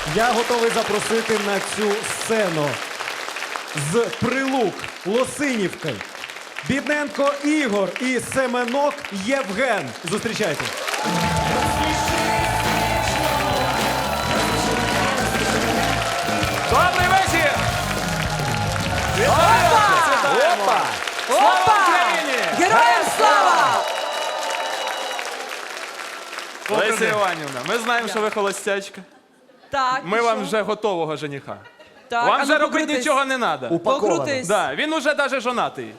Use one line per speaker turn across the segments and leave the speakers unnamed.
Я готовий запросити на цю сцену з Прилук, Лосинівки, Бідненко Ігор і Семенок Євген. Зустрічайте.
Добрий вечір!
Опа!
Слава Україні!
Героям слава!
Леся Іванівна, ми знаємо, що ви холостячка.
Так,
Ми
і
вам
що?
вже готового жениха.
Так,
Вам
а ну
вже робити
покрутись.
нічого не треба.
Покрутись.
Да, він уже навіть жонатий.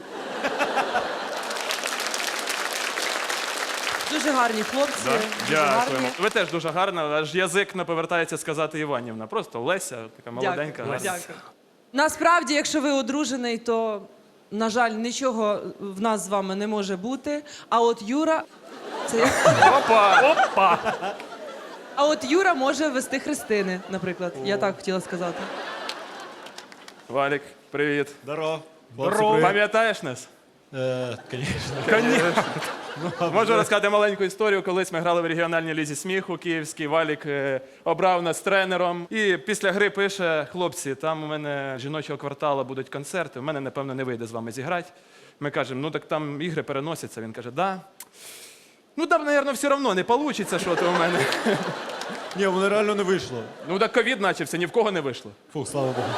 Дуже гарні хлопці. Дуже гарні.
Ви теж дуже гарна, аж язик не повертається сказати Іванівна. Просто Леся, така молоденька.
Дякую.
гарна.
Дякую. Насправді, якщо ви одружений, то, на жаль, нічого в нас з вами не може бути. А от Юра... Це...
Опа!
А от Юра може вести хрестини, наприклад. Я так хотіла сказати.
Валік, привіт.
Здорово.
Пам'ятаєш нас?
Звісно.
Можу розказати маленьку історію. Колись ми грали в регіональній лізі сміху київській. Валік обрав нас тренером. І після гри пише: хлопці, там у мене жіночого кварталу будуть концерти, у мене, напевно, не вийде з вами зіграти. Ми кажемо, ну так там ігри переносяться. Він каже, да. Ну там, мабуть, все одно не вийде, що то у мене.
Ні, воно реально не вийшло.
Ну так ковід почався, ні в кого не вийшло.
Фух, слава Богу.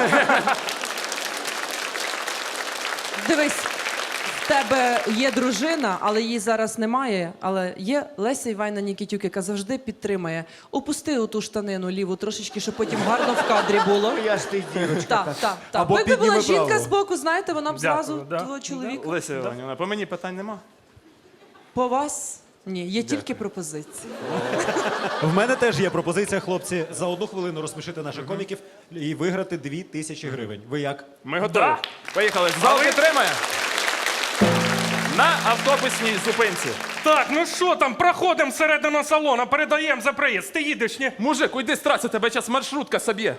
Дивись, в тебе є дружина, але її зараз немає. Але є Леся Іванівна Нікітюк, яка завжди підтримує. Опусти оту штанину ліву трошечки, щоб потім гарно в кадрі було.
Я ж ти дівочка.
Так.
Або
Якби була
підніми
жінка
право.
збоку, знаєте, вона б зразу
Дякую, да.
твого чоловіка.
Леся Іванівна, по мені питань нема.
По вас? Ні, є тільки пропозиції.
В мене теж є пропозиція, хлопці, за 1 хвилину розсмішити наших коміків і виграти 2000 гривень. Ви як?
Ми готові. Поїхали. Зал підтримає. На автобусній зупинці.
Так, ну що там, проходимо всередину салону, передаємо за проїзд. Ти їдеш, ні?
Мужик, уйди з траси, тебе зараз маршрутка соб'є.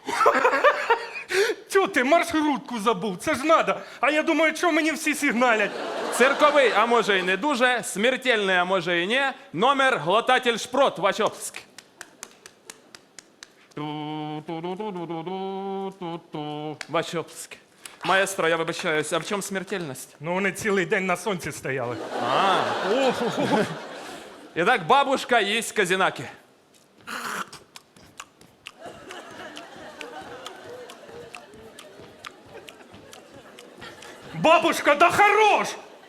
Чого ти маршрутку забув? Це ж надо. А я думаю, що мені всі сигналять.
Цирковий, а може і не дуже, смертельний, а може і не, номер глотатель шпрот, Вачовськ. Вачовськ. Маестро, я вибачаюсь, а в чому смертельність?
Ну вони цілий день на сонці стояли.
І так, бабушка їсть казінаки.
Бабушка, да хорош!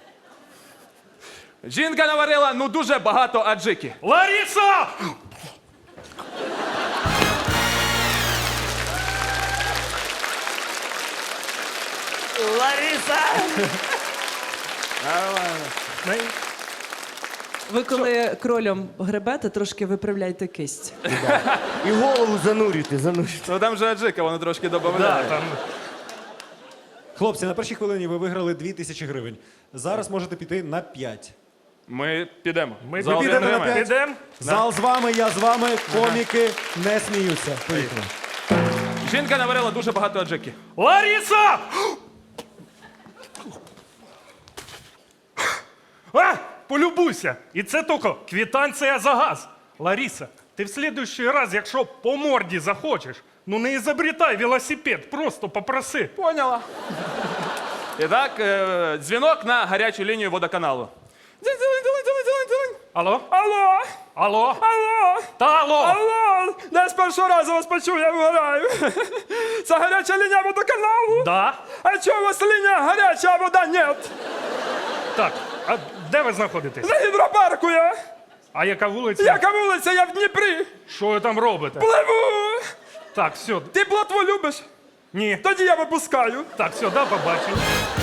Жінка наварила, ну, дуже багато аджики.
Лариса!
Лариса!
Ви коли кролем гребете, трошки виправляйте кисть.
І голову занурюйте.
Ну там же аджика, воно трошки
Да,
додає.
там...
Хлопці, на першій хвилині ви виграли 2000 гривень. Зараз можете піти на 5.
Ми підемо.
Ми
Зал
підемо на
підтримає.
п'ять.
Підемо?
Зал з вами, я з вами, коміки не сміються. Поїхали.
Жінка наварила дуже багато аджики.
Лариса! А, полюбуйся. І це тільки квитанція за газ. Лариса, ти в следующий раз, якщо по морді захочеш, ну не ізобретай велосипед, просто попроси.
Поняла. І так, дзвінок на гарячу лінію водоканалу. Дзинь-дзинь-дзинь-дзинь-дзинь-дзинь.
Алло?
Алло!
Алло?
Алло!
Та алло!
Алло! Я з першого разу вас почув, я вгораю. Це гаряча лінія водоканалу?
Да?
А чого у вас лінія гаряча, а вода нет?
Так, а де ви знаходитесь?
За гідропарку я.
А яка вулиця?
Яка вулиця, я в Дніпрі.
Що ви там робите?
Пливу.
Так, все.
Ти плотву любиш?
Ні.
Тоді я випускаю.
Так, все, да, побачив.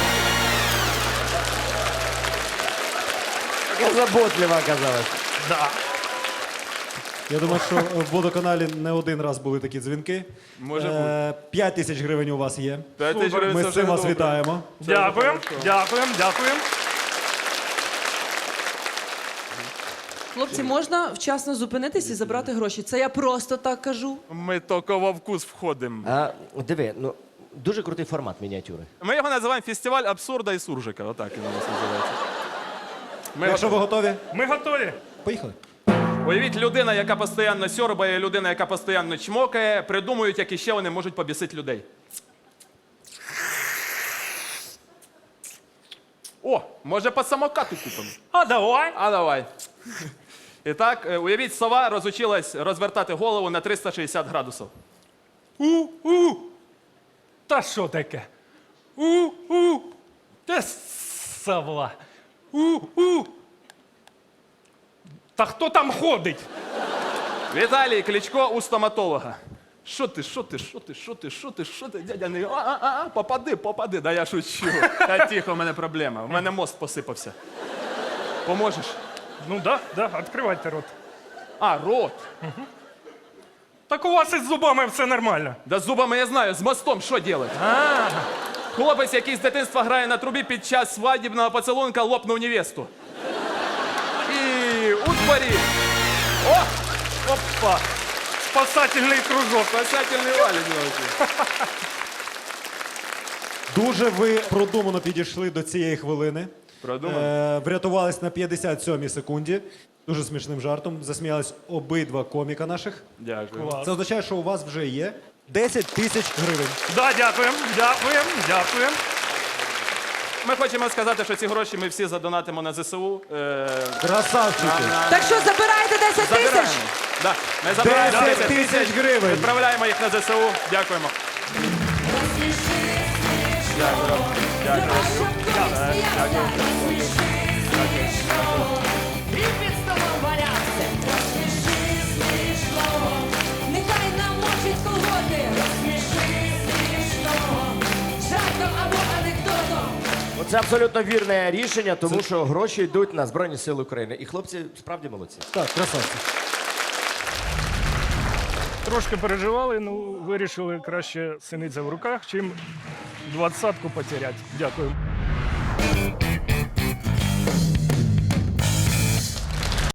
Яка заботлива оказалась.
Да.
Я думаю, що в водоканалі не один раз були такі дзвінки.
Може бути.
5000 гривень у вас є.
5 тисяч гривень
Ми
це
з цим
вже
вас
добре.
вітаємо.
Дякуємо, дякуємо, дякуємо.
Хлопці, можна вчасно зупинитись і забрати гроші? Це я просто так кажу.
Ми тільки во вкус входимо.
А, диви, ну, дуже крутий формат мініатюри.
Ми його називаємо фестиваль абсурда і суржика. Отак він у нас називається. Ми
Якщо ви готові,
Ми готові.
поїхали.
Уявіть, людина, яка постійно сьорбає, людина, яка постійно чмокає, придумують, як іще вони можуть побісити людей. О, може по самокату купимо?
А давай.
А давай. І так, уявіть, сова розучилась розвертати голову на 360 градусів.
У-у. Та що таке? У-у. Та сова. У-у. Та хто там ходить?
Віталій Кличко у стоматолога. Що ти, дядя не... Попади. Да я шучу. Та тихо, у мене проблема. У мене мозк посипався. Поможеш?
Ну да, відкривайте рот.
А, рот.
Так у вас із зубами все нормально.
Да з зубами я знаю, з мостом що робити? Хлопець, який з дитинства грає на трубі, під час свадібного поцілунка лопнув невесту. І у дворі. О! Опа!
Спасательний кружок.
Спасательний валік.
Дуже ви продумано підійшли до цієї хвилини.
Продумано.
Врятувались на 57-й секунді. Дуже смішним жартом. Засміялись обидва коміка наших.
Дякую.
Клас.
Це означає, що у вас вже є 10 тисяч гривень.
Да, дякуємо.
Ми хочемо сказати, що ці гроші ми всі задонатимо на ЗСУ.
Красавчики!
Так що забираєте 10
Забираємо.
тисяч?
Да. Ми забираємо
10 тисяч гривень!
Відправляємо їх на ЗСУ. Дякуємо.
Нехай намочить колготи. Розсміши смішно. Жартом або анекдотом.
Це абсолютно вірне рішення, тому що гроші йдуть на Збройні Сили України. І хлопці справді молодці.
Так, красавці.
Трошки переживали, ну вирішили краще синиця в руках, чим 20-ку потеряти. Дякую.